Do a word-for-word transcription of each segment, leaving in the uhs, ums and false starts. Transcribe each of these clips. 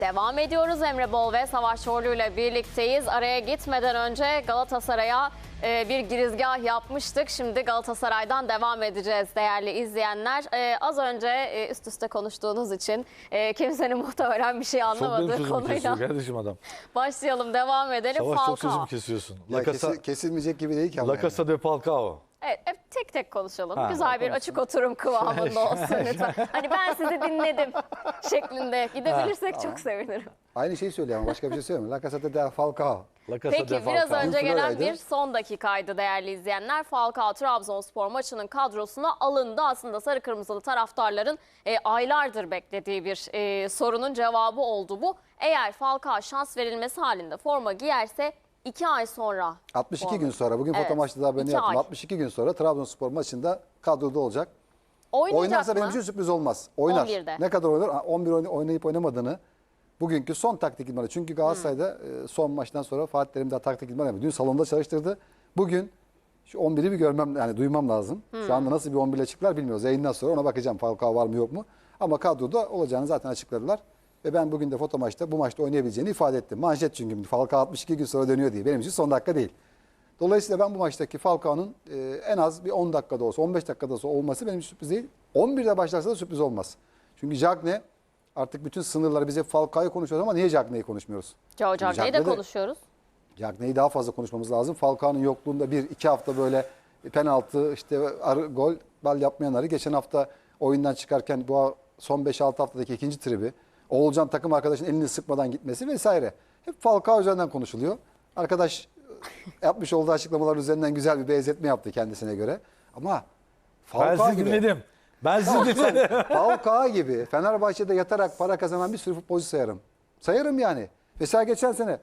Devam ediyoruz. Emre Bol ve Savaş Çorlu ile birlikteyiz. Araya gitmeden önce Galatasaray'a e, bir girizgah yapmıştık. Şimdi Galatasaray'dan devam edeceğiz değerli izleyenler. E, az önce e, üst üste konuştuğunuz için e, kimsenin muhtemelen bir şey anlamadığı çok benim sözümü konuyla kesiyor kardeşim adam. başlayalım, devam edelim. Savaş Falcao. çok sözümü kesiyorsun. Ya La Casa, kesi- kesilmeyecek gibi değil ki ama. La Casa de Falcao. Evet, hep tek tek konuşalım. Ha, Güzel bir konuşalım. açık oturum kıvamında olsun lütfen. Hani ben sizi dinledim şeklinde gidebilirsek çok sevinirim. Aynı şeyi söylüyor ama başka bir şey söylemiyor. La Casa de Falcao. La Casa de Peki Falcao. biraz önce gelen Flora'ydı. bir son dakikaydı değerli izleyenler. Falcao Trabzonspor maçının kadrosuna alındı. Aslında sarı kırmızılı taraftarların e, aylardır beklediği bir e, sorunun cevabı oldu bu. Eğer Falcao şans verilmesi halinde forma giyerse iki ay sonra. altmış iki forma- gün sonra bugün Evet, foto maçta da haberini iki yaptım. ay. altmış iki gün sonra Trabzonspor maçında kadroda olacak. Oynayacak Oynarsa mı? benim için sürpriz olmaz. Oynar. on birde. Ne kadar oynar? Ha, on bir oyn- oynayıp oynamadığını bugünkü son taktik idmanı. Çünkü Galatasaray'da e, son maçtan sonra Fatih Terim daha taktik idman yapıyor. Dün salonda çalıştırdı. Bugün şu on biri bir görmem, yani duymam lazım. Şu anda nasıl bir on bir ile çıktılar bilmiyoruz. Yayından sonra ona bakacağım. Falcao var mı yok mu? Ama kadroda olacağını zaten açıkladılar. Ve ben bugün de foto maçta bu maçta oynayabileceğini ifade ettim. Manşet çünkü Falcao altmış iki gün sonra dönüyor diye. Benim için son dakika değil. Dolayısıyla ben bu maçtaki Falcao'nun e, en az bir on dakikada olsa, on beş dakikada olsa olması benim için sürpriz değil. on birde başlarsa da sürpriz olmaz. Çünkü Cagne artık bütün sınırları bize Falcao'yu konuşuyoruz ama niye Cagne'yi konuşmuyoruz? Joe Çünkü Cagne'yi de Cagne'de- konuşuyoruz. Cagne'yi daha fazla konuşmamız lazım. Falcao'nun yokluğunda bir iki hafta böyle penaltı, işte arı, gol, bal yapmayanları. Geçen hafta oyundan çıkarken bu son beş altı haftadaki ikinci tribi. Oğulcan takım arkadaşının elini sıkmadan gitmesi vesaire. Hep Falcao üzerinden konuşuluyor. Arkadaş yapmış olduğu açıklamalar üzerinden güzel bir benzetme yaptı kendisine göre. Ama Ben Falcao sizi gibi, dinledim. Ben sizi dinledim. Falcao gibi Fenerbahçe'de yatarak para kazanan bir sürü futbolcu sayarım. Sayarım yani. Mesela geçen sene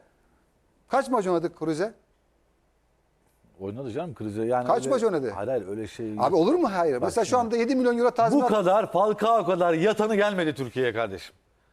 kaç maç oynadık Kruse? Oynadı canım krize. Yani Kaç öyle- maç oynadı? Hayır hayır öyle şey. Abi olur mu? Hayır. Mesela şu şimdi. anda yedi milyon euro Bu tazminat. kadar Falcao kadar yatanı gelmedi Türkiye'ye kardeşim.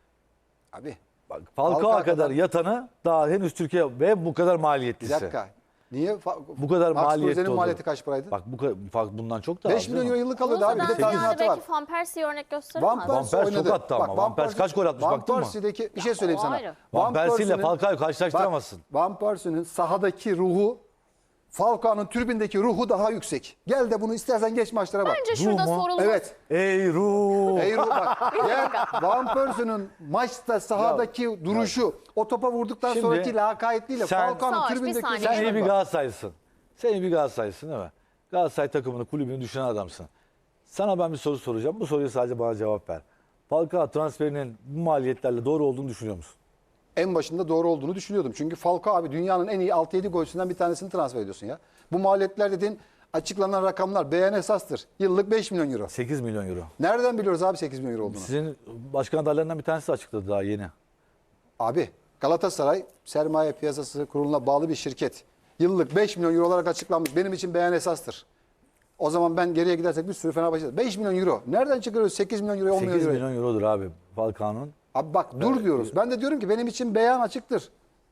Abi Bak Falcao Falcao kadar kadar- yatanı daha henüz Türkiye ve bu kadar bir maliyetlisi. dakika. Niye? Fa- Bu kadar Max maliyetli Kruse'nin oldu. maliyeti kaç paraydı? Bak bu kadar fark bundan çok daha. beş az milyon değil euro mi? yıllık alıyordu abi. Bir de Kruse'den ziyade tazminatı var. belki Van Persie'yi örnek gösterir Van mi? Persie Van Persie çok oynadı. attı ama. Bak, Van Persie kaç gol atmış, Van baktın mı? Persie'deki bir şey söyleyeyim o sana. ayrı. Van Persie ile Persie'nin- Falcao'yu karşılaştıramazsın. Bak, Van Persie'nin sahadaki ruhu Falcao'nun tribündeki ruhu daha yüksek. Gel de bunu istersen geç maçlara bak. Bence şurada mu? sorulması. Evet. Ey ruh. Ey ruh bak. Gel Van Persie'nin maçta sahadaki duruşu, o topa vurduktan Şimdi sonraki lakayetliyle sen- Falcao'nun Savaş, bir tribündeki saniye. Sen iyi duruşuna bir bak. Galatasaraylısın. Sen iyi bir Galatasaraylısın değil mi? Galatasaray takımını, kulübünü düşünen adamsın. Sana ben bir soru soracağım. Bu soruya sadece bana cevap ver. Falcao transferinin bu maliyetlerle doğru olduğunu düşünüyor musun? En başında doğru olduğunu düşünüyordum. Çünkü Falcao abi dünyanın en iyi altı yedi golcüsünden bir tanesini transfer ediyorsun ya. Bu maliyetler dediğin açıklanan rakamlar beyan esastır. Yıllık beş milyon euro. sekiz milyon euro. Nereden biliyoruz abi sekiz milyon euro olduğunu? Sizin başkan adaylarından bir tanesi açıkladı daha yeni. Abi Galatasaray sermaye piyasası kuruluna bağlı bir şirket. Yıllık beş milyon euro olarak açıklanmış. Benim için beyan esastır. O zaman ben geriye gidersek bir sürü Fenerbahçe. beş milyon euro. Nereden çıkarıyoruz sekiz milyon euro, on milyon sekiz euro? milyon eurodur abi Falcao'nun. Abi bak dur diyoruz. Ben de diyorum ki benim için beyan açıktır.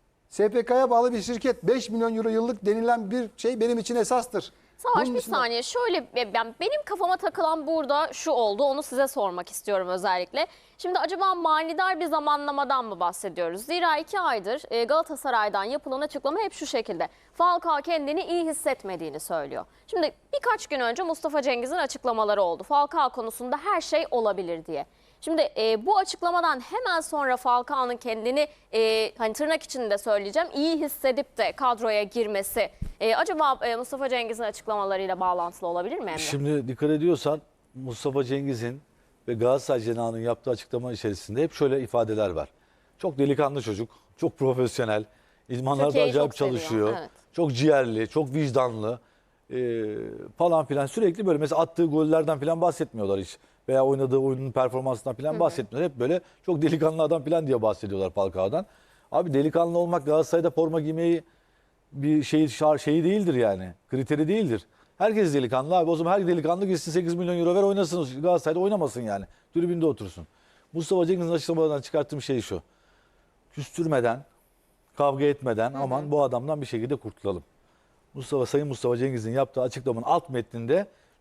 S P K'ya bağlı bir şirket beş milyon euro yıllık denilen bir şey benim için esastır. Savaş Bunun bir dışında- saniye şöyle ben, benim kafama takılan burada şu oldu, onu size sormak istiyorum özellikle. Şimdi acaba manidar bir zamanlamadan mı bahsediyoruz? Zira iki aydır e, Galatasaray'dan yapılan açıklama hep şu şekilde. Falcao kendini iyi hissetmediğini söylüyor. Şimdi birkaç gün önce Mustafa Cengiz'in açıklamaları oldu. Falcao konusunda her şey olabilir diye. Şimdi e, bu açıklamadan hemen sonra Falcao'nun kendini e, hani tırnak içinde söyleyeceğim iyi hissedip de kadroya girmesi e, acaba e, Mustafa Cengiz'in açıklamalarıyla bağlantılı olabilir mi Emre? Şimdi dikkat ediyorsan Mustafa Cengiz'in ve Galatasaray Cenahı'nın yaptığı açıklama içerisinde hep şöyle ifadeler var. Çok delikanlı çocuk, çok profesyonel, idmanlarda Türkiye'yi acayip çok seviyor, çalışıyor, evet. çok ciğerli, çok vicdanlı e, falan filan. Sürekli böyle mesela attığı gollerden falan bahsetmiyorlar hiç. Veya oynadığı oyunun performansından falan bahsetmiyorlar. Hep böyle çok delikanlı adam falan diye bahsediyorlar Falcao'dan. Abi delikanlı olmak Galatasaray'da forma giymeyi bir şey şeyi değildir yani. Kriteri değildir. Herkes delikanlı abi. O zaman her delikanlı gitsin sekiz milyon euro ver oynasın. Galatasaray'da oynamasın yani. Tribünde otursun. Mustafa Cengiz'in açıklamalarından çıkarttığım şey şu. Küstürmeden, kavga etmeden aman hı hı. bu adamdan bir şekilde kurtulalım. Mustafa Sayın Mustafa Cengiz'in yaptığı açıklamanın alt metninde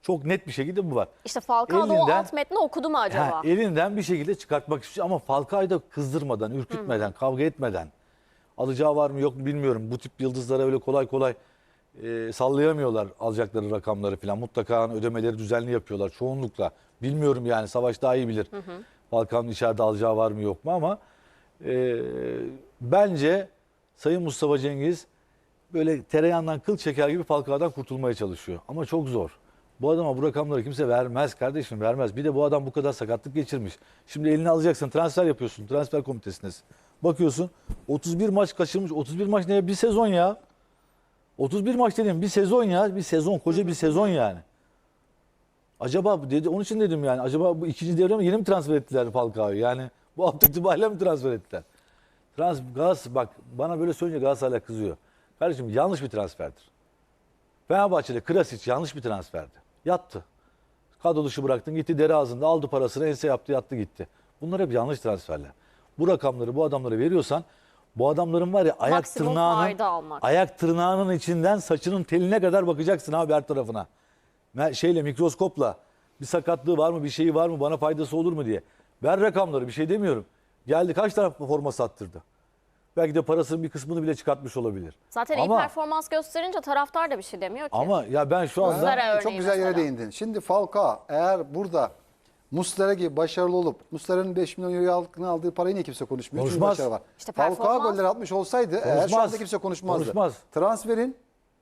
Çok net bir şekilde bu var. İşte Falcao da o Elinden- alt metni okudu mu acaba? Ha, elinden bir şekilde çıkartmak istiyor ama Falcao'yu da kızdırmadan, ürkütmeden, kavga etmeden. Alacağı var mı yok mu bilmiyorum. Bu tip yıldızlara öyle kolay kolay e, sallayamıyorlar alacakları rakamları falan. Mutlaka ödemeleri düzenli yapıyorlar çoğunlukla. Bilmiyorum yani Savaş daha iyi bilir. Falcao'nun içeride alacağı var mı yok mu ama e, bence Sayın Mustafa Cengiz böyle tereyağından kıl çeker gibi Falcao'dan kurtulmaya çalışıyor. Ama çok zor. Bu adama bu rakamları kimse vermez kardeşim, vermez. Bir de bu adam bu kadar sakatlık geçirmiş. Şimdi elini alacaksın, transfer yapıyorsun, transfer komitesindesin. Bakıyorsun otuz bir maç kaçırmış. otuz bir maç ne? Bir sezon ya. otuz bir maç dedim bir sezon ya. Bir sezon, koca bir sezon yani. Acaba dedi, onun için dedim yani acaba bu ikinci devre mi yeni mi transfer ettiler Falcao'yu? Yani bu hafta itibariyle mi transfer ettiler? Trans, Gaz, bak bana böyle söyleyince Galatasaray'a kızıyor. Kardeşim yanlış bir transferdir. Fenerbahçe'de Krasic yanlış bir transferdi. Yattı. Kadro dışı bıraktın gitti deri ağzında aldı parasını ense yaptı yattı gitti. Bunlar hep yanlış transferler. Bu rakamları bu adamlara veriyorsan bu adamların var ya ayak Maksimum tırnağının fayda almak. ayak tırnağının içinden saçının teline kadar bakacaksın abi her tarafına. Me- Şeyle mikroskopla bir sakatlığı var mı bir şeyi var mı bana faydası olur mu diye. Ver rakamları bir şey demiyorum. Geldi kaç tane forma sattırdı. Belki de parasının bir kısmını bile çıkartmış olabilir. Zaten iyi Ama- performans gösterince taraftar da bir şey demiyor ki. Ama ya ben şu anda Muslera örneği Çok güzel yere mesela. değindin. Şimdi Falcao eğer burada Muslera gibi başarılı olup Muslera'nın beş milyon euroya aldığını aldığı parayı niye kimse konuşmuyor? Çünkü Konuşmaz. başarı var. İşte Falcao performans- goller atmış olsaydı eğer şu Konuşmaz. anda kimse konuşmazdı. Konuşmaz. Transferin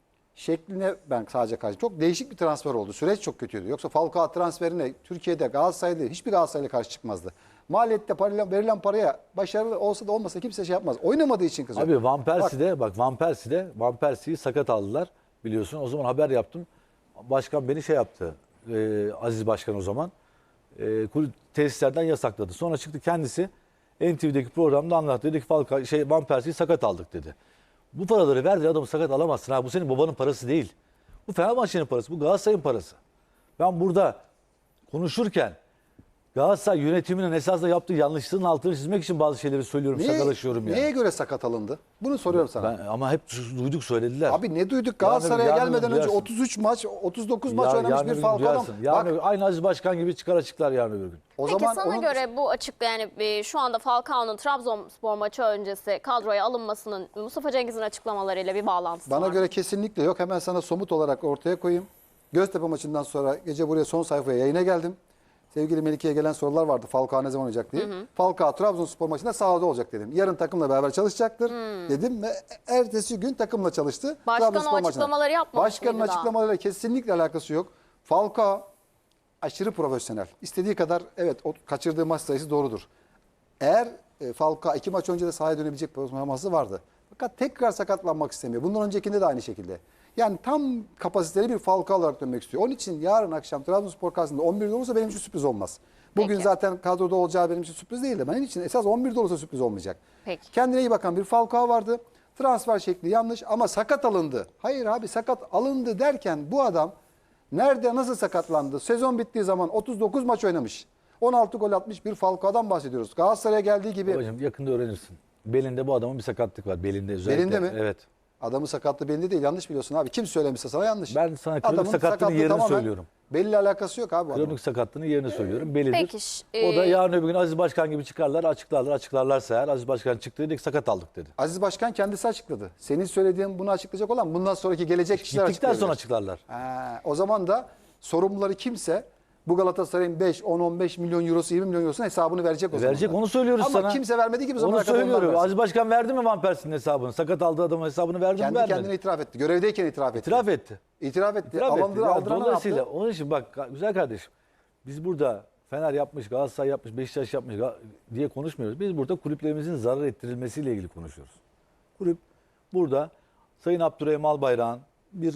şekline ben sadece karşı. Çok değişik bir transfer oldu. Süreç çok kötüydü. Yoksa Falcao transferine Türkiye'de Galatasaray'da hiçbir Galatasaraylı karşı çıkmazdı. Maliyette parayla, verilen paraya başarılı olsa da olmasa kimse şey yapmaz. Oynamadığı için kızıyor. abi Van Persie'de bak Van Persie'de Van Persie'yi sakat aldılar biliyorsun. O zaman haber yaptım. Başkan beni şey yaptı. e, Aziz Başkan o zaman. E, kulüp tesislerden yasakladı. Sonra çıktı kendisi N T V'deki programda anlattı. Dedi ki Falcao şey Van Persie'yi sakat aldık dedi. Bu paraları verdi adamı sakat alamazsın ha. Bu senin babanın parası değil. Bu Fenerbahçe'nin parası. Bu Galatasaray'ın parası. Ben burada konuşurken Galatasaray yönetiminin esasında yaptığı yanlışlığın altını çizmek için bazı şeyleri söylüyorum, Neye- şakalaşıyorum yani. Neye göre sakat alındı? Bunu soruyorum sana. Ben, ama hep duyduk söylediler. Abi ne duyduk? Galatasaray'a Yarın öbür gün gelmeden önce duyarsın. otuz üç maç, otuz dokuz maç Ya- oynamış yarın bir öbür gün Falcao adam. duyarsın. Yarın Bak öbür- aynı Aziz Başkan gibi çıkar açıklar yarın öbür gün. o Peki zaman sana onun- göre bu açıkta yani e, şu anda Falcao'nun Trabzonspor maçı öncesi kadroya alınmasının Mustafa Cengiz'in açıklamalarıyla bir bağlantısı bana var. göre kesinlikle yok. Hemen sana somut olarak ortaya koyayım. Göztepe maçından sonra gece buraya son sayfaya yayına geldim. Sevgili Melike'ye gelen sorular vardı. Falcao ne zaman oynayacak diye. Falcao Trabzonspor maçında sahada olacak dedim. Yarın takımla beraber çalışacaktır dedim ve ertesi gün takımla çalıştı. Başkan o Trabzonspor maçına. açıklamaları yapmamış Başkanın mıydı daha? açıklamalarıyla kesinlikle alakası yok. Falcao aşırı profesyonel. İstediği kadar evet o kaçırdığı maç sayısı doğrudur. Eğer e, Falcao iki maç önce de sahaya dönebilecek performansı vardı. Fakat tekrar sakatlanmak istemiyor. Bundan öncekinde de aynı şekilde. Yani tam kapasiteli bir Falcao olarak dönmek istiyor. Onun için yarın akşam Trabzonspor karşısında on birde olursa benim için sürpriz olmaz. Bugün Peki. zaten kadroda olacağı benim için sürpriz değil de benim için esas on birde olursa sürpriz olmayacak. Peki. Kendine iyi bakan bir Falcao vardı. Transfer şekli yanlış ama sakat alındı. Hayır abi sakat alındı derken bu adam nerede nasıl sakatlandı? Sezon bittiği zaman otuz dokuz maç oynamış. on altı gol atmış bir Falcao'dan bahsediyoruz. Galatasaray'a geldiği gibi Babacığım yakında öğrenirsin. Belinde bu adamın bir sakatlık var. Belinde özellikle. Belinde mi? Evet. adamı sakatlığı belli değil. Yanlış biliyorsun abi. Kim söylemişse sana yanlış. Ben sana kronik Adamın sakatlığının sakatlığı yerini tamamen söylüyorum. Belli alakası yok abi bu adamın. Kronik sakatlığının yerini söylüyorum. Belidir. Peki, ş- O da e- yarın öbür gün Aziz Başkan gibi çıkarlar, açıklarlar. Açıklarlarsa eğer Aziz Başkan çıktı dedi ki sakat aldık dedi. Aziz Başkan kendisi açıkladı. Senin söylediğin bunu açıklayacak olan bundan sonraki gelecek kişiler Gittikten sonra açıklayabilir. açıklarlar. Ha, o zaman da sorumluları kimse bu Galatasaray'ın beş, on, on beş milyon eurosu, yirmi milyon eurosunun hesabını verecek o zaman. Verecek da. onu söylüyoruz Ama sana. kimse vermediği gibi Onu zamana kadar onlar söylüyorum. versin. Aziz Başkan verdi mi Van Persie'nin hesabını? Sakat aldığı adamın hesabını verdi mi Kendi vermedi. kendine itiraf etti. Görevdeyken itiraf etti. İtiraf etti. İtiraf etti. İtiraf etti. Alındır, Ya aldıran ne dolayısıyla yaptı? onun için bak güzel kardeşim. Biz burada Fener yapmış, Galatasaray yapmış, Beşiktaş yapmış Ga- diye konuşmuyoruz. Biz burada kulüplerimizin zarar ettirilmesiyle ilgili konuşuyoruz. Kulüp burada Sayın Abdurrahim Albayrak'ın bir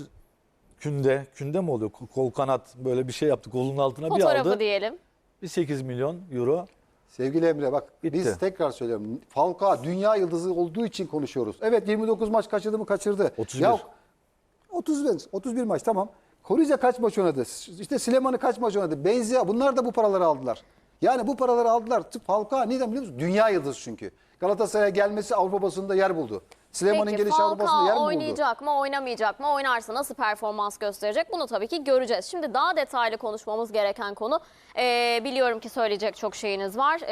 künde, künde mi oluyor? Kol kanat böyle bir şey yaptı. Kolunun altına bir Fotoğrafı aldı. diyelim. Bir sekiz milyon euro. Sevgili Emre bak Bitti. biz tekrar söylüyorum. Falcao dünya yıldızı olduğu için konuşuyoruz. Evet yirmi dokuz maç kaçırdı mı kaçırdı. otuz bir. Ya, otuz bir, otuz bir maç tamam. Koruca kaç maç oynadı? İşte Süleyman'ı kaç maç oynadı? Benzia bunlar da bu paraları aldılar. Yani bu paraları aldılar. Falcao neden biliyor musun? Dünya yıldızı çünkü. Galatasaray'a gelmesi Avrupa basınında yer buldu. Süleyman'ın Peki gelişi Avrupa Kupası'nda yer mi Falcao buldu? oynayacak mı, oynamayacak mı? Oynarsa nasıl performans gösterecek? Bunu tabii ki göreceğiz. Şimdi daha detaylı konuşmamız gereken konu. Ee, biliyorum ki söyleyecek çok şeyiniz var.